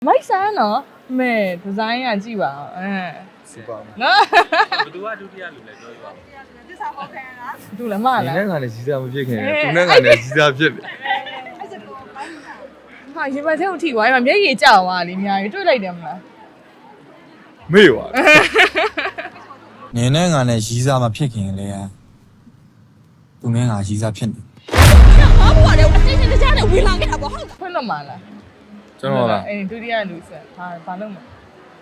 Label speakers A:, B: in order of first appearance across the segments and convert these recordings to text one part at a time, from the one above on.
A: မိုက်ဆန်းနော်မဲဒီဇိုင်းကကြည့်ပါ
B: စူပါ
A: နော်
C: ဘသူကဒုတိယလူလဲပြောပြပါဦး
A: သစ္စာဟောခံလားသူလည်းမလား
B: ဒီနဲ့ကလည်းကြီးစားမဖြစ်ခင်သူနဲ့ကလည်းကြီးစားဖြစ်တယ်
A: ဟာရေပတ်ထဲကိုထိသွားရင်မျက်ရည်ကျသွားလေအများကြီးတွေ့လိုက်တယ်မလား
B: မေ့ပါ
D: နေနဲ့ငါနဲ့ရီးစားမဖြစ်ခင်လေသူနဲ့ငါရီးစားဖြစ်နေ
A: ဘာပေါ်လဲတင်းတင်းကြားနဲ့ဝင်လာခဲ့တာပေါ့ဟုတ်ဖွင့်တော့မလား
B: ကျွန်တော်လား
A: ဒုတိယလူဆက်ဘာလုပ်မလဲ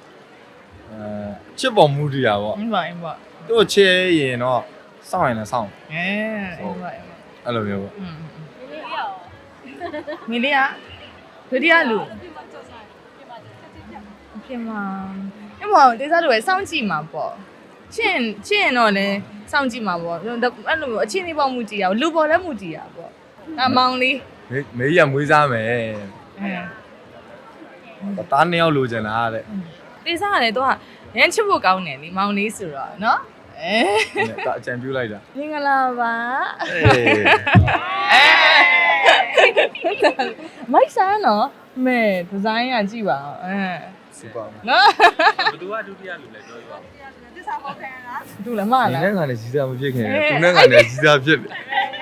B: ချစ်ပေါ်မူတရားပေါ့
A: အင်းပါ
B: သူ့ချဲရင်တော့စောင့်ရင်လည်းစောင့်
A: အင်းပါ
B: အဲ့လိုမျိုးပေါ့
A: မီလီယာဒုတိယလူပြင်မှာအဲ့မောတေးစားတို့ပဲစောင့်ကြည့်မှာပေါ့ချင်းရင်တော့လည်းစောင့်ကြည့်မှာပေါ့အဲ့လိုအချင်းလေးပေါ့မူကြည့်ရလူပေါ်လည်းမူကြည့်ရပေါ့မောင်လေး
B: မေးရမွေးစားမယ်တားနှစ်ယောက်လိုချင်တာတဲ့
A: တေးစားကလည်းတော့ရမ်းချစ်ဖို့ကောင်းတယ်လေမောင်လေးဆိုတော့နော်
B: ဒါအကြံပြုလိုက်တာ
A: မင်္ဂလာပါမိုက်ဆန်းနော်မဲဒီဇိုင်းကကြည့်ပါ
B: စူပါ
A: နော်
C: ဘသူကဒုတိယလူလဲပြောပြပါဦး
A: သစ္စာဟောခံလားသူလည်းမလား
B: ဒီနဲ့ကလည်းကြီးစားမဖြစ်ခင်သူနဲ့ကလည်းကြီးစားဖြစ်တယ်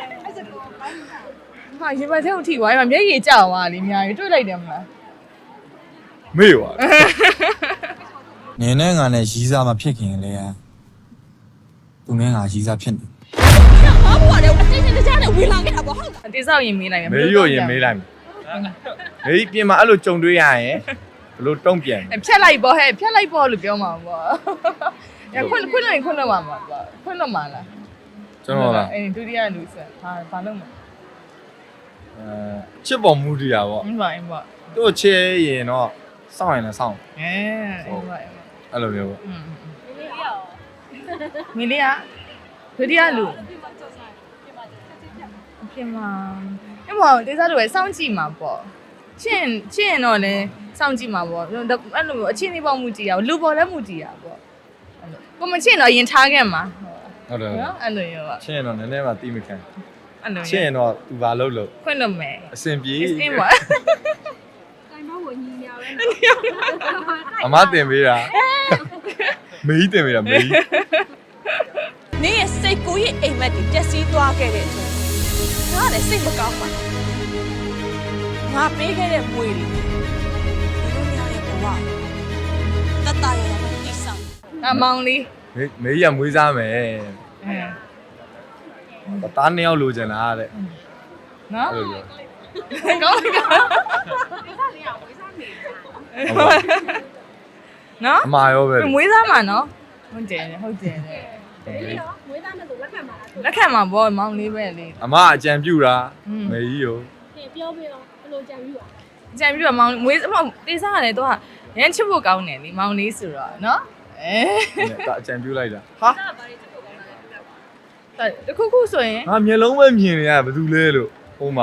A: ဟာရေပတ်ထဲကိုထိသွားရင်မျက်ရည်ကျသွားလေအများကြီးတွေ့လိုက်တယ်မလား
B: မေ့ပါ
D: နေနဲ့ငါနဲ့ရီးစားမဖြစ်ခင်လေသူနဲ့ငါရီးစားဖြစ်နေ
A: ဘာပေါ်လဲတင်းတင်းကြားနဲ့ဝင်လာခဲ့တာပေါ့ဟုတ်တေးစားရင်မေးလိုက်မယ်
B: မေးရရင်မေးလိုက်မယ်မေးပြင်မှာအဲ့လိုကြုံတွေ့ရရင်ဘလို့တုံ့ပြန်
A: ဖြတ်လိုက်ပေါ့ဟဲ့ဖြတ်လိုက်ပေါ့လို့ပြောမှာပေါ့ရခွန်းလို့ပါမှာပေါ့ခွန်းလို့မှာလား
B: ကျွန်တော်လား
A: ဒုတိယလူဆက်ဘာလုပ်မလဲ
B: ချစ်ပေါ်မူတရားပေါ့
A: အင်းပါ
B: သူ့ချဲရင်တော့စောင့်ရင်လည်းစောင့်အဲ့လိုမျိုးပေါ့
A: မီလီယာဒုတိယလူပြင်မှာအဲ့မောတေးစားတို့ပဲစောင့်ကြည့်မှာပေါ့ချင်းရင်တော့လည်းစောင့်ကြည့်မှာပေါ့အဲ့လိုအချင်းလေးပေါ့မူကြည့်ရလူပေါ်လည်းမူကြည့်ရပေါ့အဲ့လိုကိုမချင်းတော့ရင်ထားခဲ့မှာ
B: ဟုတ်တယ်
A: နော်အဲ့လိုရော
B: ချင်းရင်တော့နည်းနည်းမှတီးမခံ
A: အဲ့လို
B: ချင်းရင်တော့သူဘာလုပ်လို့
A: ခွင့်လို့မယ်
B: အစင်ပြေး
A: အင်းပါ
E: တိုင်မဝင်ညီညာပဲ
B: အမတင်ပေးတာမေးတင်ပေးတာမေး
A: နင်းရဲ့စိတ်ကိုရဲ့အိမ်မက်တွေတက်စီးသွားခဲ့တဲ့အချိန်ငါလည်းစိတ်မကောင်းပါငါပေးခဲ့တဲ့မွေတွေဒီလိုများရဲ့ဘဝတတရရမတိဆောင်မောင်လေး
B: မေးရမွေးစားမယ်တားနှစ်ယောက်လိုချင်တာတဲ့
A: နော်
B: အဲ့လို
A: ကောင်းနော်
B: အမာရောပဲ
A: မွေးစားမှာနော်ဟုတ်တယ်
E: မွေးသားနဲ့ဆိုလက်ခံပါလား
A: လက်ခံမှာပေါ့မောင်လေးပဲလေ
B: အမအကြံပြုတာမေကြီးရော
E: ပြောပြတော့ဘယ်လိုကြံပြီးပါ
A: ကြံပြီးတော့မောင်မွေးတေးစားရတယ်တော့ရမ်းချစ်ဖို့ကောင်းတယ်လေမောင်လေးဆိုတော့နော်
B: ဒါအကြံပြုလိုက်တာ
A: ဟာတခုဆိုရင်
B: ငါမျက်လုံးပဲမြင်နေရဘာလို့လဲလို့ဟိုမှာ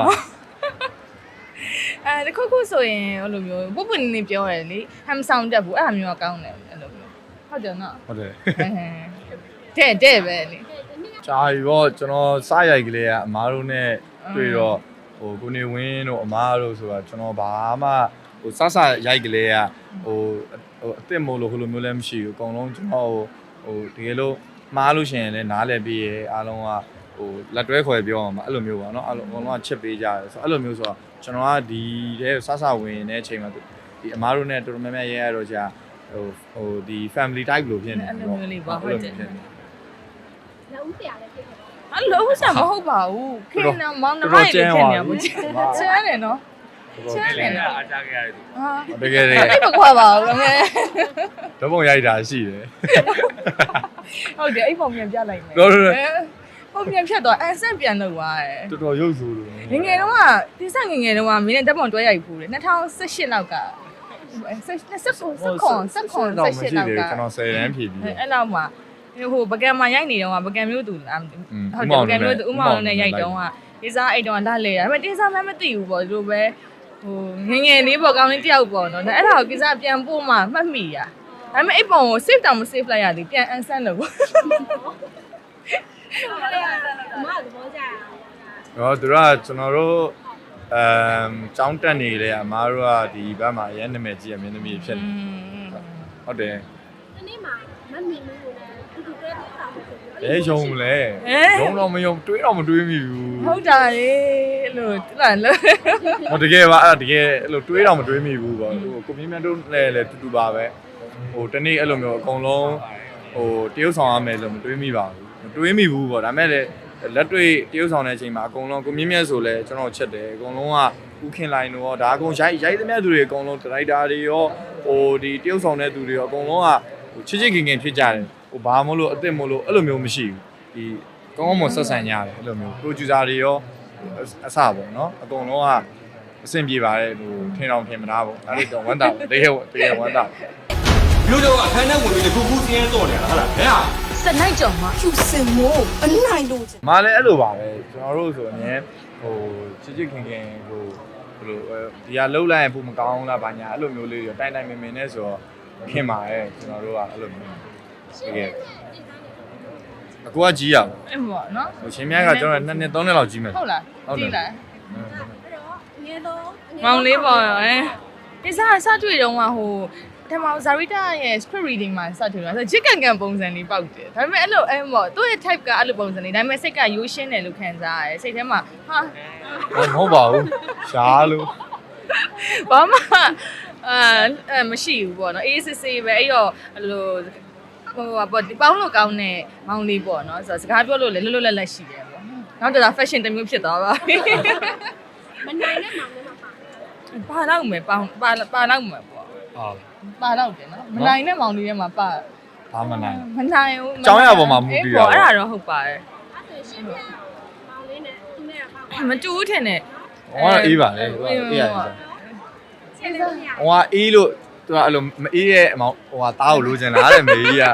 A: တခုဆိုရင်ဟိုလိုမျိုးပုပ်ပွနေပြောရတယ်လေဟမ်ဆောင်တက်ဘူးအဲ့လိုမျိုးကောင်းတယ်အဲ့လိုမျိုးဟုတ်တယ်နော်
B: ဟုတ်တယ်
A: တဲ့ပဲလေ
B: ဂျာရောကျွန်တော်စားရိုက်ကလေးကအမားတို့နဲ့တွေ့တော့ဟိုကိုနေဝင်းတို့အမားတို့ဆိုတာကျွန်တော်ဘာမှဟိုစရိုက်ကလေးကဟိုအစ်စ်မို့လို့ဟိုလိုမျိုးလည်းမရှိဘူးအကုန်လုံးကျွန်တော်ဟိုတကယ်လို့မှားလို့ရှိရင်လည်းနားလည်ပြီးရဲအားလုံးကဟိုလက်တွဲခေါ်ပြောအောင်မှာအဲ့လိုမျိုးပါเนาะအားလုံးအကုန်လုံးကချစ်ပေးကြတယ်ဆိုတော့အဲ့လိုမျိုးဆိုတော့ကျွန်တော်ကဒီတဲ့ဝင်တဲ့အချိန်မှာဒီအမားတို့နဲ့တော်တော်များများရဲရတော့ကြာဟိုဒီ family type လို့ဖြစ်နေ
A: တယ်အဲ့လိုမျိုးလေးပါဟုတ်တယ်
E: လုံးဆရာလည်းဖြစ်တယ်
A: အဲ့လုံးဆရာမဟုတ်ပါဘူးခင်ဗျာမောင်နှမရဲ့ခင်ဗျာဘူးချမ်းတယ်နော်
C: ချမ်းတယ်နော်အားကြခဲ့ရတယ်
B: တကယ်တည်း
A: အဲ့မခွာပါဘူးခင်ဗျာ
B: ဓပုံရိုက်တာရှိတယ်
A: ဟုတ်တယ်အဲ့ပုံပြန်ပြလိုက်မယ်ပုံပြန်ဖြတ်တော့အဆင့်ပြန်လုပ်သွားတယ်
B: တော်တော်ရုပ်ဆိုးလို့
A: ငယ်တုန်းကဒီဆက်ငယ်တုန်းကမင်းနဲ့ဓပုံတွဲရိုက်ဖူးတယ်2018လောက်ကဆက်ခွန်
B: ကျွန်တော်10တန်းဖြည့်ပြီး
A: အဲ့လောက်မှာဟိုပကံမှာရိုက်နေတော့ပကံမျိုးသူလားဟုတ်တယ်ပကံမျိုးသူဥမောင်နဲ့ရိုက်တော့ဒီစားအိတ်တော့လာလေဒါပေမဲ့တင်းစားမှမသိဘူးပေါ့ဒီလိုပဲဟိုငယ်လေးပေါ့ကောင်းလေးတယောက်ပေါ့နော်အဲ့ဒါကိုကိစ္စပြန်ပို့မှမှတ်မိရဒါပေမဲ့အဲ့ပုံကို save တောင်မ save လိုက်ရသေးပြန် unsend လို့ပေါ့
E: အမသဘောကျရ
B: အောင်သူကကျွန်တော်တို့ကျောင်းတက်နေလေအမားတို့ကဒီဘက်မှာအရင်နာမည်ကြီးရမင်းသမီးဖြစ်နေဟုတ်တယ်
E: ဒီနေ့မှာမမီမလို့လည်းသူတို့တဲ့ဆောင်လို့ဆိုပြီး
B: ဘယ်ယုံလဲယုံတော့မယုံတွေးတော့မတွေးမိဘူး
A: ဟုတ်တာလေအဲ့လိုတူလာလို့
B: ဟိုတကယ်ပါအဲ့တကယ်အဲ့လိုတွေးတော့မတွေးမိဘူးပေါ့ဟိုကိုမြင့်မြတ်တို့လည်းတူတူပါပဲဟိုတနေ့အဲ့လိုမျိုးအကုန်လုံးဟိုတရုပ်ဆောင်ရမယ်လို့မတွေးမိပါဘူးမတွေးမိဘူးပေါ့ဒါမဲ့လည်းလက်တွေ့တရုပ်ဆောင်တဲ့အချိန်မှာအကုန်လုံးကိုမြင့်မြတ်ဆိုလဲကျွန်တော်ချက်တယ်အကုန်လုံးကဥခင်လိုင်းတို့ရောဒါအကုန်ရိုက်သမျှသူတွေအကုန်လုံးဒရိုက်တာတွေရောဟိုဒီတရုပ်ဆောင်တဲ့သူတွေရောအကုန်လုံးကဟိုချစ်ချစ်ခင်ခင်ဖြစ်ကြတယ်ဟိုဘာမလို့အစ်စ်မလို့အဲ့လိုမျိုးမရှိဘူးဒီကောင်းကောင်းမွန်ဆက်ဆံကြတယ်အဲ့လိုမျိုးပရိုဂျူဆာတွေရောအစပေါ့နော်အကုန်လုံးကအဆင်ပြေပါတယ်ဟိုထင်အောင်ထင်မသားပေါ့အဲ့ဒီတော့ဝမ်းတာတကယ်ဝမ်းတာ
F: မျိုးတော့အခန်းထဲဝင်ပြီးခုခုစင်းရဲတော့နေတာဟုတ်လားဘယ်ဟာ
A: စနိုက်ကြော်မှာ
G: ဖြူစင်မို့အနိုင်လို့
B: မလည်းအဲ့လိုပါပဲကျွန်တော်တို့ဆိုအမြဲဟိုချစ်ချစ်ခင်ခင်ဟိုဘယ်လိုဒီကလှုပ်လိုက်ရင်ပုံမကောင်းလားဘာညာအဲ့လိုမျိုးလေးရောတိုင်တိုင်မင်မင်နဲ့ဆိုတော့ခင်ပါရဲ့ကျွန်တော်တို့ကအဲ့လိုမျိုးတကယ်အကူကကြီးရပါ
A: အဲ့ပေါ့နော်
B: ဟိုချင်းမြတ်ကကျွန်တော်2နှစ်3နှစ်လောက်ကြီးမယ်
A: ဟုတ်လားကြည့်လား
E: အဲ့တော့အငယ်တော့
A: မောင်လေးပေါ့ဒီစားစတွေ့တော့ဟိုတမောင်ဇာရီတာရဲ့ script reading မှာစတွေ့တော့ဆိုချစ်ကန်ကန်ပုံစံလေးပေါက်တယ်ဒါပေမဲ့အဲ့လိုအဲ့ပေါ့သူ့ရဲ့ type ကအဲ့လိုပုံစံလေးဒါပေမဲ့စိတ်ကရိုးရှင်းတယ်လို့ခံစားရတယ်စိတ်ထဲမှာဟာ
B: မဟုတ်ပါဘူးရှားလို့
A: ဘာမှမရှိဘူးပေါ့နော်အေးစစ်စစ်ပဲအဲ့တော့အဲ့လိုဟိုပေါ့ဒီပေါင်းလို့ကောင်းတဲ့မောင်လေးပေါ့နော်ဆိုတော့စကားပြောလို့လည်းလွတ်လွတ်လပ်လပ်ရှိတယ်ပေါ့နောက်တော့ fashion တစ်မျိုးဖြစ်သွားပါပြီ
E: မနိုင်တဲ့မောင်လေးမှာပါ
A: ပါတော့မယ်ပါတော့မယ်ပေါ့
B: ဟာ
A: ပါတော့တယ်နော်မနိုင်တဲ့မောင်လေးထဲမှာပါ
B: ဘာမနိုင်
A: မနိုင်ဘူး
B: ကျောင်းရပေါ်မှာမူတည်တာပေါ့
A: အဲ့ဒါတော့ဟုတ်ပါတယ်
E: အဲ့ဆိုရှင်းပြမောင်လေးနဲ့သူနဲ့ကပါ
A: မတူဘူးထင်တယ်
B: ဟောအေးပါလေဟိုအေးရတယ်
E: ချက်လို့မရ
B: ဟိုကအေးလို့သူကအဲ့လိုမအေးရဲ့အမောင်ဟိုကတားကိုလိုချင်လားတဲ့မေကြီးက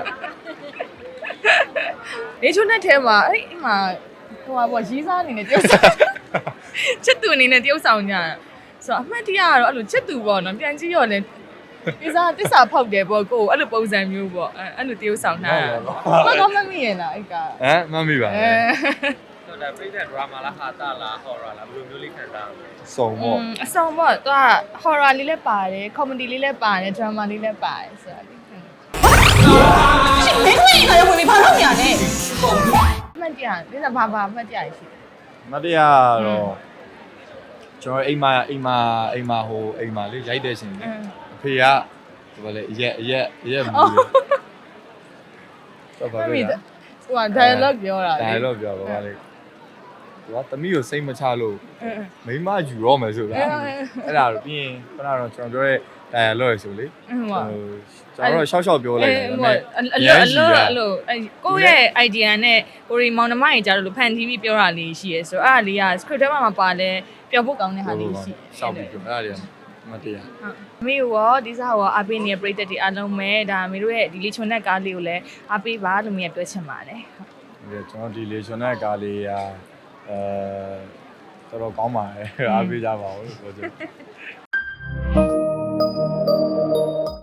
A: နေချုံတဲ့ထဲမှာအဲ့အမှဟိုပေါ့ရီးစားအနေနဲ့တယောက်ဆောင်ချစ်သူအနေနဲ့တယောက်ဆောင်ကြဆိုတော့အမှတ်တရကတော့အဲ့လိုချစ်သူပေါ့နော်ပြန်ကြည့်ရောလဲဒီစားတစ္ဆာဖောက်တယ်ပေါ့ကိုအဲ့လိုပုံစံမျိုးပေါ့အဲ့လိုတယောက်ဆောင်တာမမမီးရလားအဲ့က
B: ဟမ်မမိပါနဲ့
C: ဆိုတော့ပြိတဲ့ drama လားဟာတာလား horror လားဘယ်လိုမျိုးလေးခံစားရလဲ
B: စုံပေါ့
A: အဆောင်ပေါ့သူက horror လေးလည်းပါတယ် comedy လေးလည်းပါတယ် drama လေးလည်းပါတယ်ဆိုတော့
G: မင်းတို့ရင်လည်းဝင်ပြီးဘာလုပ်နေရလဲ
A: အမှတ်တရဒီစားဘာအမှတ်တရရှိတယ်
B: မတရားတော့ကျွန်တော်အိမ်မှာဟိုအိမ်မှာလေးရိုက်တဲ့ရှင်လေအဖေကဒီဘာလဲအရက်မူတယ်တော့ဘာလဲ
A: ဟိုက dialogue ပြောတာ
B: ဒါတော့ပြောပါလေသူကသမီးကိုစိတ်မချလို့မိမယူရောမယ်ဆိုတာအဲ့ဒါတော့ပြီးရင်ခဏတော့ကျွန်တော်ပြောတဲ့ dialogue ဆိုလေ
A: ဟုတ်
B: ကျွန်တော်တော့ရှောက်ရှောက်ပြောလိုက်တယ်ဒါပေမဲ့
A: အလိုကိုယ့်ရဲ့ idea နဲ့ကိုရီမောင်နှမကြီးကြားလို့ဖန်တီးပြီးပြောတာလေးရှိရဲဆိုတော့အဲ့ဒါလေးက script ထဲမှာပါလဲပြောဖို့ကောင်းတဲ့ဟာလေးရှိ
B: ရှောက်ပြီးပြောအဲ့ဒါတွေမတရား
A: အမေရောဒီစားရောအားပေးနေတဲ့ပရိသတ်တွေအားလုံးပဲဒါအမေတို့ရဲ့ဒီလေးချွန်တဲ့ကားလေးကိုလည်းအားပေးပါလို့မြင်ပြောချင်ပါတယ်
B: ကျွန်တော်ဒီလေရှင်တဲ့ကားလေးကတော်တော်ကောင်းပါတယ်အားပေးကြပါဦးလို့ပြောချင်